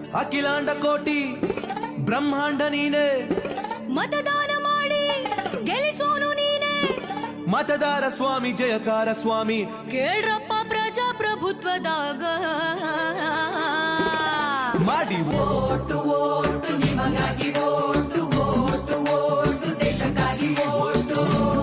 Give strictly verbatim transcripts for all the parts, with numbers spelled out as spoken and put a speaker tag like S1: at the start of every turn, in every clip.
S1: ಅಖಿಲಾಂಡ ಕೋಟಿ ಬ್ರಹ್ಮಾಂಡ ನೀನೆ,
S2: ಮತದಾನ ಮಾಡಿ ಗೆಲ್ಲಿಸೋನು ನೀನೆ,
S1: ಮತದಾರ ಸ್ವಾಮಿ ಜಯಕಾರ ಸ್ವಾಮಿ,
S2: ಕೇಳ್ರಪ್ಪ ಪ್ರಜಾಪ್ರಭುತ್ವದಾಗ
S1: ಮಾಡಿ
S3: ಓಟು ಓಟು ನಿಮಗಾಗಿ ಓಟು ಓಟು ಓಟು ದೇಶಕ್ಕಾಗಿ ಓಟು.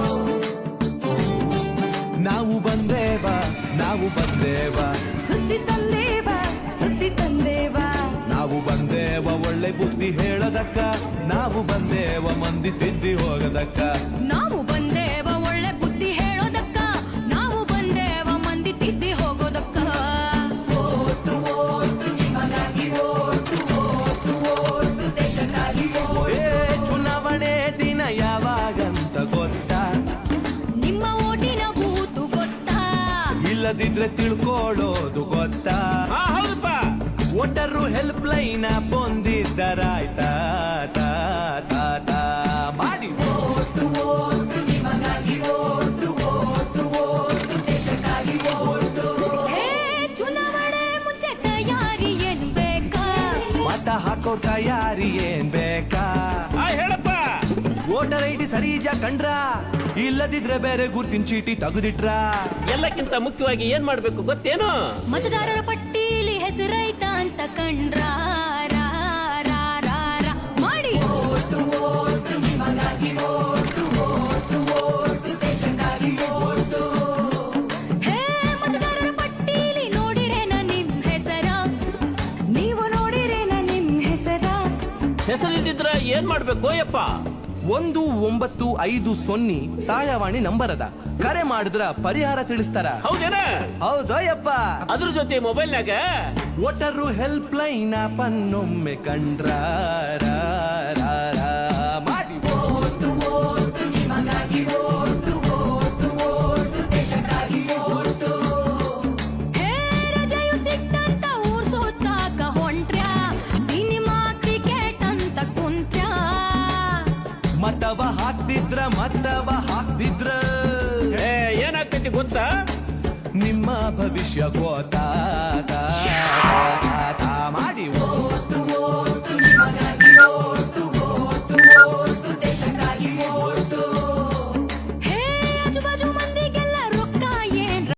S1: ನಾವು ಬಂದೇವ ನಾವು ಬಂದೇವ
S2: ಸುದ್ದಿ ತಂದೇವ ಸುದ್ದಿ ತಂದೇವ,
S1: ನಾವು ಬಂದೇವ ಒಳ್ಳೆ ಬುದ್ಧಿ ಹೇಳದಕ್ಕ, ನಾವು ಬಂದೇವ ಮಂದಿ ತಿದ್ದಿ ಹೋಗದಕ್ಕ,
S2: ನಾವು ಬಂದೇವ ಒಳ್ಳೆ ಬುದ್ಧಿ ಹೇಳೋದಕ್ಕ, ನಾವು ಬಂದೇವ ಮಂದಿ ತಿದ್ದಿ ಹೋಗೋದಕ್ಕ.
S3: ಓಟು ಓಟು ನಿಮಗಾಗಿ ಓಟು ಓಟು ಓಟು ದೇಶಕ್ಕಾಗಿ ಓಟು.
S1: ಏ ಚುನಾವಣೆ ದಿನ ಯಾವಾಗಂತ ಗೊತ್ತಾ,
S2: ನಿಮ್ಮ ಓಟಿನ ಬೂತು ಗೊತ್ತಾ,
S1: ಇಲ್ಲದಿದ್ರೆ ತಿಳ್ಕೊಳ್ಳೋದು ಗೊತ್ತಾ,
S4: ಹೌದಪ್ಪ.
S1: ವೋಟರು ಹೆಲ್ಪ್ ಲೈನ್ ಬಂದಿದ್ದರಾಯ್ತಾ ತಾ ತಾ ತಾ ಮಾಡಿ
S3: ಓಟು ಓಟು ನಿಮಗಾಗಿ ಓಟು ಓಟು ಓಟು ದೇಶಕ್ಕಾಗಿ ಓಟು.
S2: ಹೇ ಚುನಾವಣೆ ಮುಂಚೆ ತಯಾರಿ ಏನ್ ಬೇಕಾ,
S1: ಮತ ಹಾಕೋ ತಯಾರಿ ಏನ್ ಬೇಕಾ,
S4: ಆ, ಹೇಳಪ್ಪ.
S1: ವೋಟರ್ ಐ ಡಿ ಸರಿ ಇದ್ಯಾ ಕಂಡ್ರ, ಇಲ್ಲದಿದ್ರೆ ಬೇರೆ ಗುರ್ತಿನ ಚೀಟಿ ತೆಗೆದಿಟ್ರ,
S4: ಎಲ್ಲಕ್ಕಿಂತ ಮುಖ್ಯವಾಗಿ ಏನ್ ಮಾಡ್ಬೇಕು ಗೊತ್ತೇನು?
S2: ಮತದಾರರ ಪಟ್ಟೀಲಿ ಹೆಸರೈತಾ ಅಂತ ಕಂಡ್ರ ರಾ, ರಾ, ರಾ, ರಾ, ಮಾಡಿ
S3: ಓಟು ಓಟು ನಿಮಗಾಗಿ ಓಟು ಓಟು ಓಟು ದೇಶಕ್ಕಾಗಿ ಓಟು.
S2: ಹೇ ಮತದಾರರ ಪಟ್ಟೀಲಿ ನೋಡಿರೇನ ನಿಮ್ ಹೆಸರ, ನೀವು ನೋಡಿರೇನ ನಿಮ್ ಹೆಸರ,
S4: ಹೆಸರಿಲ್ದಿದ್ರ ಏನ್ ಮಾಡ್ಬೇಕು ಯಪ್ಪ?
S1: ಒಂದು ಒಂಬತ್ತು ಐದು ಸೊನ್ನೆ ಸಹಾಯವಾಣಿ ನಂಬರ್ ಅದ, ಕರೆ ಮಾಡಿದ್ರ ಪರಿಹಾರ ತಿಳಿಸ್ತಾರ.
S4: ಹೌದೇನ?
S1: ಹೌದೋ ಯಪ್ಪ.
S4: ಅದ್ರ ಜೊತೆ ಮೊಬೈಲ್ನಾಗ
S1: ವೋಟರು ಹೆಲ್ಪ್ ಲೈನ್ ಪನ್ನೊಮ್ಮೆ ಕಂಡ್ರ ರಾ, ರಾ, ರಾ, ಮಾಡಿ
S3: ಓಟು ಓಟು ನಿಮಗಾಗಿ ಓಟು ಓಟು ಓಟು ದೇಶಕ್ಕಾಗಿ ಓಟು.
S2: ಹೇ ರಜೆಯು ಸಿಕ್ತಂತ ಊರ್ ಸುತ್ತಾಕ ಹೊಂಟ್ರ್ಯಾ, ಸಿನಿಮಾ ಕ್ರಿಕೆಟ್ ಅಂತ ಕುಂತ್ರ್ಯಾ,
S1: ಮತವ ಹಾಕ್ತಿದ್ರ ಮತವ ಹಾಕ್ತಿದ್ರ
S4: ಏ, ಏನಾಗ್ತೈತಿ ಗೊತ್ತಾ?
S1: ನಿಮ್ಮ ಭವಿಷ್ಯ ಗೋತಾ